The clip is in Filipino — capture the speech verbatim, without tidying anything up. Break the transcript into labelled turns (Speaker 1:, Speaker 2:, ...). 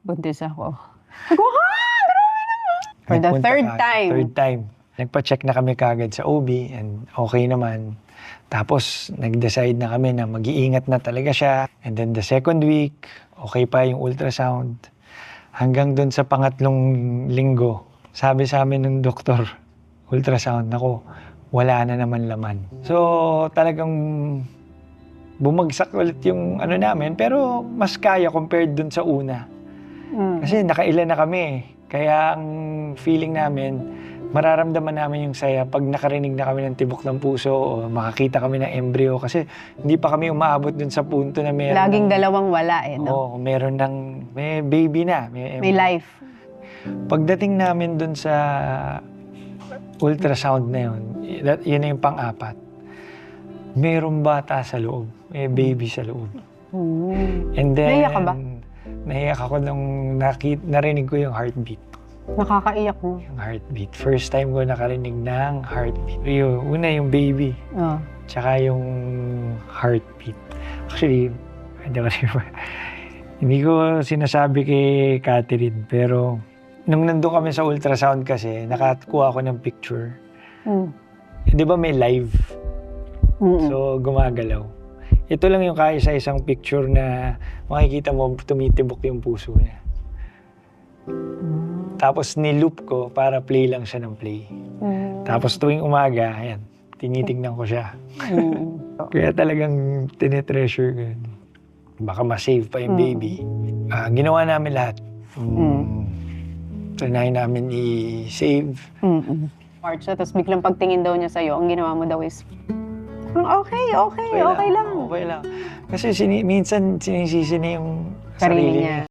Speaker 1: buntis ako. Sabi ko, ha? Grabe naman. For the
Speaker 2: Nagpunta
Speaker 1: third
Speaker 2: ka-
Speaker 1: time.
Speaker 2: Third time. Nagpa-check na kami kagad sa O B and okay naman. Tapos, nag-decide na kami na mag-iingat na talaga siya. And then the second week, okay pa yung ultrasound. Hanggang dun sa pangatlong linggo, sabi sa amin ng doktor, ultrasound, ako, wala na naman laman. So, talagang bumagsak ulit yung ano namin, pero mas kaya compared dun sa una.
Speaker 1: Mm.
Speaker 2: Kasi nakailan na kami eh. Kaya ang feeling namin, mararamdaman namin yung saya pag nakarinig na kami ng tibok ng puso o makakita kami ng embryo. Kasi hindi pa kami umaabot dun sa punto na meron
Speaker 1: Laging
Speaker 2: ng,
Speaker 1: dalawang wala eh, no?
Speaker 2: Oo, meron ng, may baby na. May,
Speaker 1: May
Speaker 2: embryo.
Speaker 1: life.
Speaker 2: Pagdating namin dun sa ultrasound na yun, that, yun na yung pang-apat. Merong bata sa loob. May baby sa loob.
Speaker 1: Mm.
Speaker 2: And then,
Speaker 1: Naiyak ka ba?
Speaker 2: Naiyak ako nung nakit, narinig ko yung heartbeat.
Speaker 1: Nakakaiyak mo.
Speaker 2: Yung heartbeat. First time ko nakarinig ng heartbeat. Yung, una yung baby,
Speaker 1: Oh.
Speaker 2: tsaka yung heartbeat. Actually, hindi ko, hindi ko sinasabi kay Catherine, pero nung nandun kami sa ultrasound kasi, nakakuha ako ng picture.
Speaker 1: Mm.
Speaker 2: Eh, di ba may live?
Speaker 1: Mm-mm.
Speaker 2: So, gumagalaw. Ito lang yung kaisa-isang picture na makikita mo tumitibok yung puso niya.
Speaker 1: Mm.
Speaker 2: Tapos niloop ko para play lang siya ng play.
Speaker 1: Mm.
Speaker 2: Tapos tuwing umaga, ayan, tinitignan ko siya.
Speaker 1: Mm.
Speaker 2: Kaya talagang tinetreasure ko yun. Baka ma-save pa yung
Speaker 1: Mm.
Speaker 2: baby. Ah, ginawa namin lahat.
Speaker 1: Mm.
Speaker 2: Mm. Trinay namin i-save.
Speaker 1: Mm-mm. March na, tapos biglang pagtingin daw niya sa'yo, ang ginawa mo daw is, okay, okay, okay, lang.
Speaker 2: Okay lang. Kasi sini minsan sinisisi niya yung
Speaker 1: Sarili
Speaker 2: sarili
Speaker 1: niya.
Speaker 2: niya.